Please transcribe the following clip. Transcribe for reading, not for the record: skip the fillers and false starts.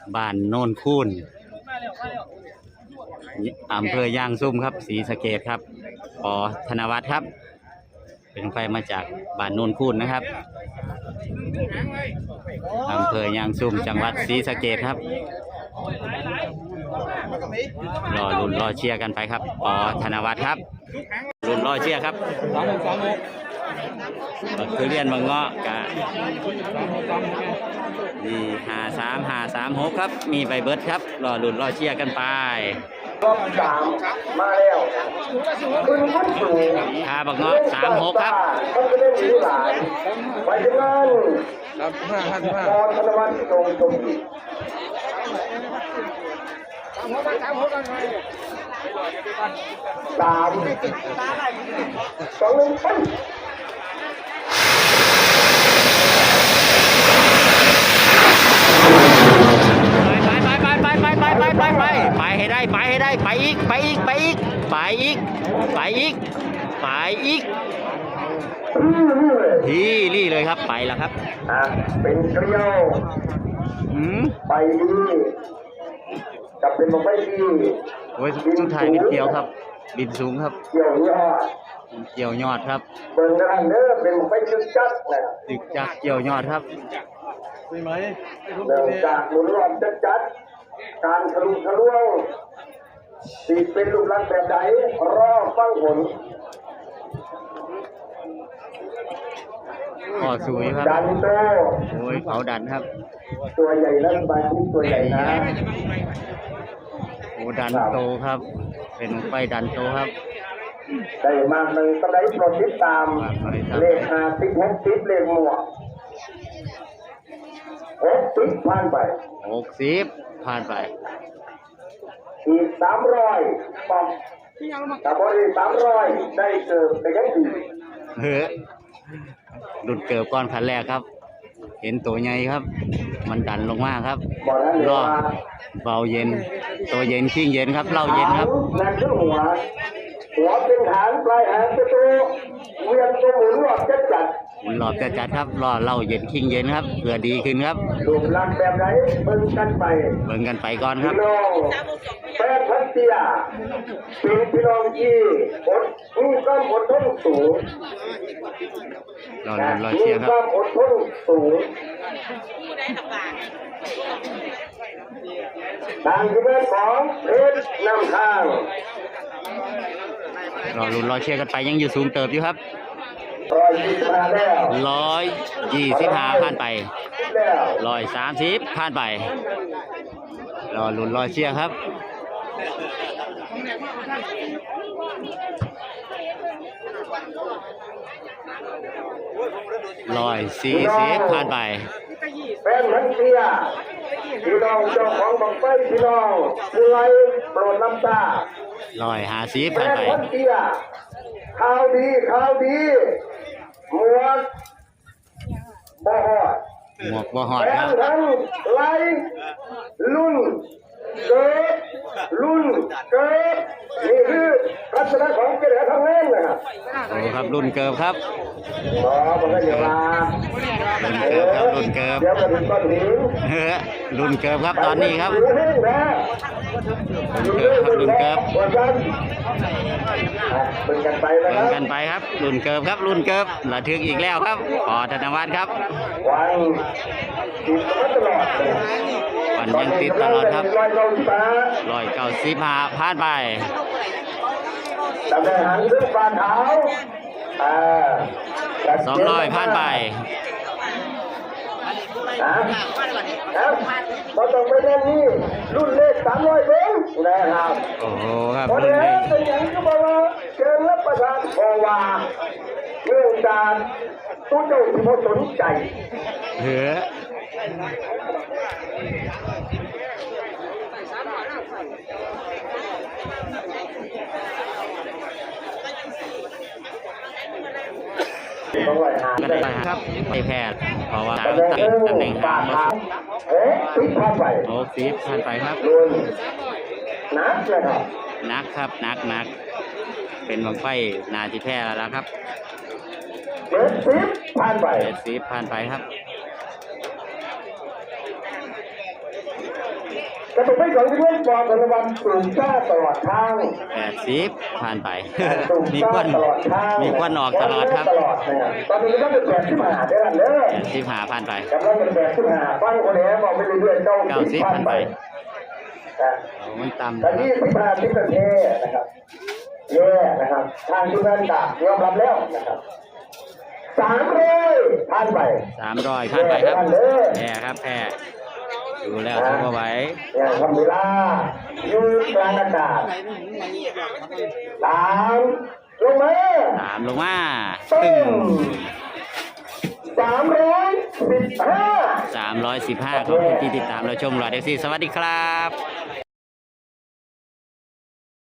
บ้านโน่นคูนอำเภอย่างซุ่มครับศรีสะเกษครับปอธนวัฒน์ครับเป็นไฟมาจากบ้านโน่นคูนนะครับอำเภอย่างซุ่มจังหวัดศรีสะเกษครับรอลุ้นรอเชียร์กันไปครับปอธนวัฒน์ครับลุ้นรอเชียร์ครับคือเรียนบางเงาะกะนี่53 56ครับมีใบเบิร์ดครับรอลุ้นรอเชียร์กันไปรอบ3มาแล้วขึ้นขึ้นสูงบางเงาะ36ครับต้องไปเล่นหนีหลายไปถึงนั้นพอธนวัฒน์ตรงตรง3 2 1ไปไปให้ได้ไปอีกที่รี่เลยครับไปแล้วครับเป็นเกลียวไปดีกับเป็นบอกไม่ดีโอ้ยชุดไทยบินเกี่ยวครับบินสูงครับเกี่ยอดครับเบิ่งกันเด้อเป็นบอกไม่จึกจักนะจึกจักเกี่ยวยอดครับเริ่มจากหมุนรอบจัดการทะลุทะลวงสีเป็นรูปลักษณ์แบบใดรอฟังผลข้อสูงครับดันโตโอ้ยเขาดันครับตัวใหญ่นั่นบางที่ตัวใหญ่นะโอ้ดันโตครับเป็นไฟดันโตครับได้มากหนึ่งสไลด์โปรติดตามเลข50 60เลขหมวก60ผ่านไป 60ผ่านไปอีก300ปั๊มแต่พอดี300ได้เกิดไปยังดีหลุดเกิดก้อนขันแรกครับเห็นตัวใหญ่ครับมันดันลงมาครับรอเบาเย็นตัวเย็นชิ่งเย็นครับเล่าเย็นครับนั่นคือหัวเป็นฐานปลายหางเป็นตัวเวียนตัวหมุนรอบจัดครับรอเล่าเย็นชิ่งเย็นครับเพื่อดีขึ้นครับรูปลักษณ์แบบไหนเบิ่งกันไปก่อนครับแปดพันเตียเป็นพี่น้องที่มีความอดทนสูงรอเชียร์ครับมีความอดทนสูงทางที่เป็นของเพชรนำทางรอเชียร์กันไปยังอยู่สูงเติบอยู่ครับ125ผ่านไป130ผ่านไปรอลุ้นรอเชียร์ครับ140ผ่านไปเป็นพันเตียพี่น้องเจ้าของบังไฟพี่น้องผู้ไล่โปรดน้ำตา 150ผ่านไปข่าวดีหมวกบ่ฮอดครับทั้งไล่รุ่นเกิดนี่คือลักษณะของเกลือทางเล่นนะครับโอ้ครับรุ่นเกิบครับมันก็อยู่มารุ่นเกิบครับรุ่นเกิบเดี๋ยวมาถึงก้อนหินรุ่นเกิบครับตอนนี้ครับรุ่นเกิบเบิ่งกันไปครับรุ่นเกิบครับรุ่นเกิบระทึกอีกแล้วครับปอธนวัฒน์ครับวันยังติดตลอดครับ195ผ่านไปตำแหน่งหางซึ่งฝ่าเท้า 200ผ่านไปพอต้องไปเล่นนี่รุ่นเลข300เองนะครับโอ้โหครับรุ่นเลขเป็นอย่างที่บอกว่าเชิญรับประทานโอวาเรื่องการตู้เจ้าที่พอสนใจกันไปครับไปแพทย์เพราะว่าตำแหน่งหางผ่านไปผ่านไปครับนักเลยครับนักครับนักเป็นบังไฟนาจิแพทย์แล้วครับผ่านไปผ่านไปครับกระตุกไม่สองที่เพื่อนปอดธนวันสูงซ่าตลอดทาง 80ผ่านไปสูงมีซ่าควันตลอดทางมีควันออกตลอดครับตลอดนะครับตอนนี้ก็เป็นแบบที่มาเด้อเด้อ 85ผ่านไปกำลังเป็นแบบที่มาฟังคนนี้บอกไปเรื่อยๆเจ้า 90ผ่านไปนะโอ้มันต่ำตอนนี้15 นาทีนะครับเย่นะครับทางทุกท่านก็ยอมรับแล้วนะครับ300ผ่านไป 300ผ่านไปครับแพ้ครับแพ้ดูแล้วเขาก็ไหวอย่างทำเวลาอยู่กลางอากาศตามลงมา 3ลงมาตึ้ตึ้งง 315 315ขอบคุณที่ติดตามเราชมหลอดเอฟซีสวัสดีครับ